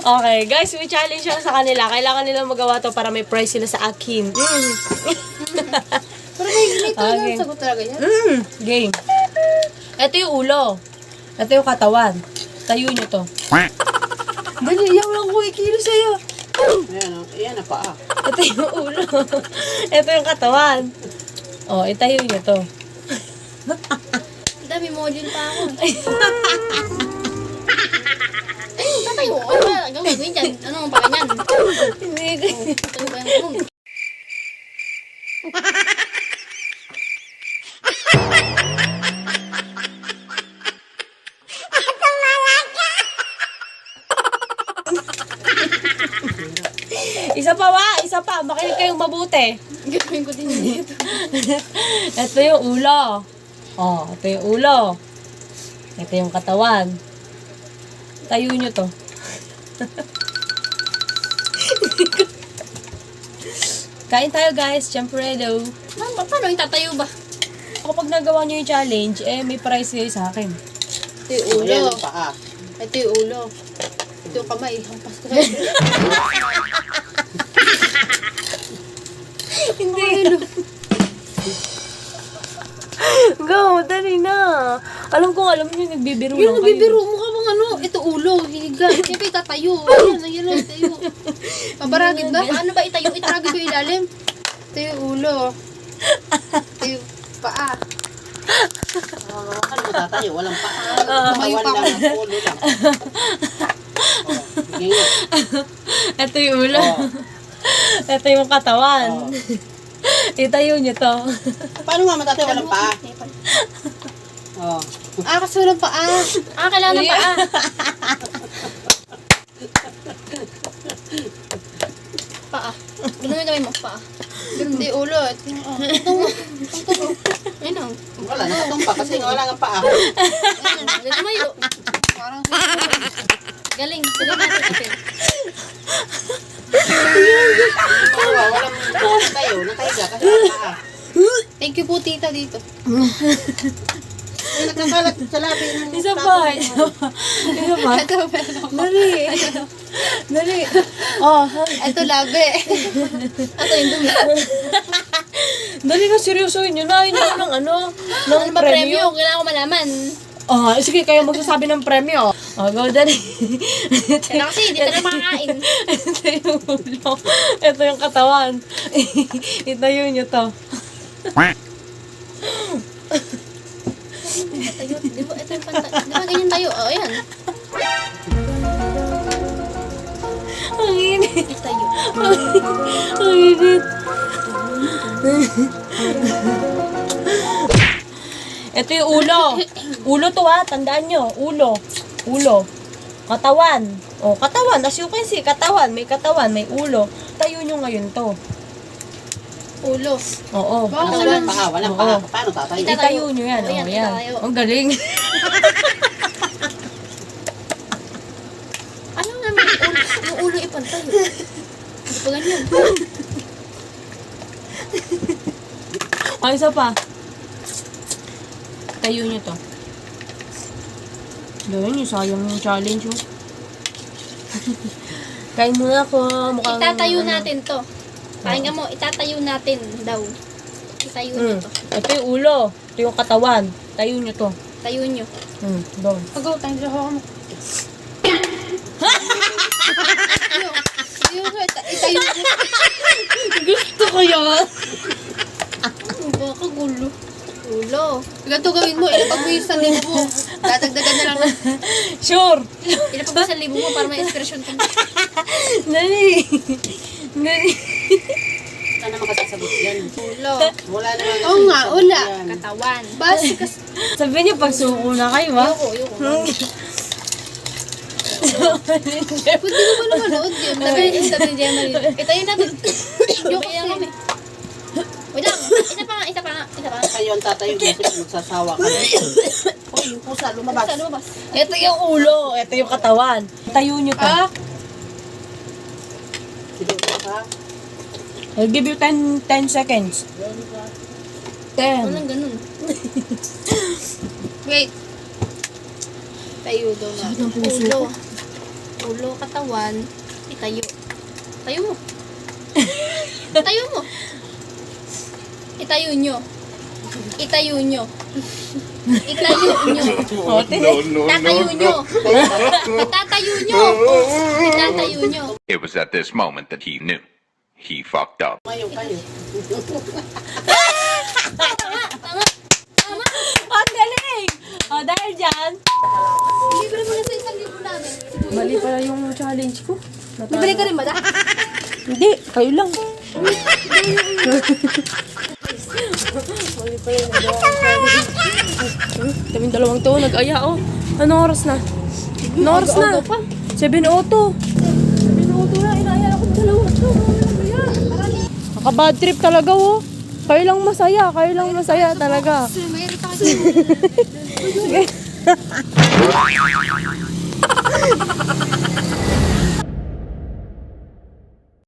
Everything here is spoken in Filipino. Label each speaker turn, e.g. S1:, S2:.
S1: Okay, guys, may challenge lang sa kanila. Kailangan nilang magawa to para may prize sila sa akin.
S2: Pero may talagang sagot talaga yan.
S1: Game. Ito yung ulo. Ito yung katawan. Tayo nyo to. Dali, yaw lang ko ikilo sa'yo.
S3: Ayan na paa.
S1: Ito yung ulo. Ito yung katawan. Oh, itayo nyo to.
S2: Dami module pa ako. Tatayo. Ano ba? Gawin dyan. Ano pa ganyan?
S1: Hindi.
S2: Ano ba yung
S1: Isa pa. Makinig kayong mabuti.
S2: gawin ko din dito?
S1: Ito yung ulo. Oh, ito yung ulo. Ito yung katawan. Tayo nyo to. Kain tayo guys, syempre daw.
S2: Paano yung tatayo ba?
S1: Kapag nagawa nyo yung challenge, may prize kayo sa akin.
S2: Ito yung ulo.
S3: Ayan ang paa.
S2: Ito yung ulo. Ito yung kamay. Hampas ko sa'yo.
S1: Hindi. Go, dali na. Alam nyo, nagbibiro
S2: Yung
S1: lang
S2: nagbibiro mo ka bang ano? Ito ulo. Higa. Siyempre tatayo. Ayan na, tayo. Pabaragin ba? Paano ba itayo? Itaragin ba yung ilalim? Ito yung ulo. Ito yung paa.
S3: Ano matatayo? Walang paa.
S2: Tumayo pa
S3: Kawan
S2: ako.
S3: lang, ulo lang. Sige nga.
S1: Ito yung ulo.
S3: Oh.
S1: Ito yung katawan. Itayo nyo to.
S3: Paano nga matatayo? Walang paa. Oh.
S2: Kasi walang paa. Kailangan ng paa. Paa. Ganun yung gawin mo, paa. Ganun, hindi, ulo. Ito mo. Ayun o.
S3: Wala, nakatumpa kasi nga wala nga paa.
S2: Ayun, ganun tumayo. Parang galing. Galing natin kasi.
S3: Walang matatayo. Nakahiga kasi walang paa.
S2: Thank you po, tita, dito.
S3: Ay, nagkakalat sa labi ng
S1: Isa pa.
S2: Ito, pero
S1: Dali. Dali. Oh,
S2: ito, labi. Ito yung dumi.
S1: dali na seryosohin nyo na. Yun yung ng ano
S2: Ano ba premyo? Kailangan ko malaman.
S1: Oh, sige, kayo magsasabi ng premyo. Oh, go, dali.
S2: Kaya kasi, hindi tayo makakain.
S1: Ito yung ulo. Ito yung katawan. Itayo nyo to.
S2: Tayo. Di ba, ito yung pantay. Di ba, ganyan tayo? O, ayan.
S1: Ang init.
S2: Tayo.
S1: Ang init. Ito yung ulo. Ulo to ha, tandaan nyo. Ulo. Ulo. Katawan. O, katawan. As you can see, katawan. May katawan, may ulo. Tayo nyo ngayon to.
S2: Ulo.
S1: Oo.
S2: Wow.
S3: Walang paa. Walang
S1: Oo.
S3: paa. Paano tatayo?
S1: Itayo nyo yan.
S2: Ayan,
S1: O, yan.
S2: itayo.
S1: Ang galing.
S2: Ano naman yung ulo ipantay? Hindi pa ganyan.
S1: O, isa pa. Tayo nyo to. Gawin nyo, sayang yung challenge mo. Kain muna ako. Mukhang,
S2: Itatayo
S1: ano.
S2: natin to. Pakinggan mo, itatayo natin daw. Itayo nyo to.
S1: Ito yung ulo. Ito yung katawan. Tayo nyo to.
S2: Tayo nyo.
S1: Doon.
S2: Pagaw, tayo sa ako mo. Itayo nyo.
S1: Gusto ko yun.
S2: Baka gulo. Ulo. Ganito gawin mo, ilapag mo yung 1,000 mo. Dadagdagan na lang.
S1: Sure.
S2: Ilapag mo 1,000 mo para may inspirasyon ka.
S1: Nani. Nani.
S3: Saan naman kasasagot yan?
S2: Ulo.
S3: Wala naman kasi
S2: Oo nga,
S3: sagot
S2: wala.
S3: yan.
S2: Katawan. Basi kasi.
S1: Sabi niyo, pagsuko na kayo, ha?
S2: Ayoko. Pwede ko ba lumanood yun? Sabi ni Gemma yun. Itayo natin. Joke yan kami. Wait lang. Isa pa nga.
S3: Kayo ang tatayo kasi magsasawa ka. Hoy, yung pusa, lumabas.
S2: Basta lumabas.
S1: Ito yung ulo. Ito yung katawan. Tayo nyo pa.
S3: Sige, ha?
S1: I'll give you 10 seconds. 10.
S2: Walang ganun. Wait. Tayo daw na.
S1: Sakit ng puso
S2: Ulo.
S1: ko.
S2: ulo, katawan, itayo. Tayo mo. Tayo mo. Itayo nyo. Itayo nyo. Itayo nyo. Tatayo nyo. Itatayo nyo. Itatayo nyo.
S4: It was at this moment that he knew. He fucked up.
S3: Kayo.
S1: Ang galing! O, dahil dyan,
S2: Libre mo na sa 1,000 namin.
S1: mali pala yung challenge ko.
S2: Bibili ka rin ba na?
S1: Hindi, kayo lang. Kaming dalawang to, nag-aya oh. Anong oras na? Anong oras na? 7:02. 7:02 na, inaya ako ng dalawa. Naka-bad trip talaga oh. Kayo lang masaya talaga.
S2: Mayroon pa kasi.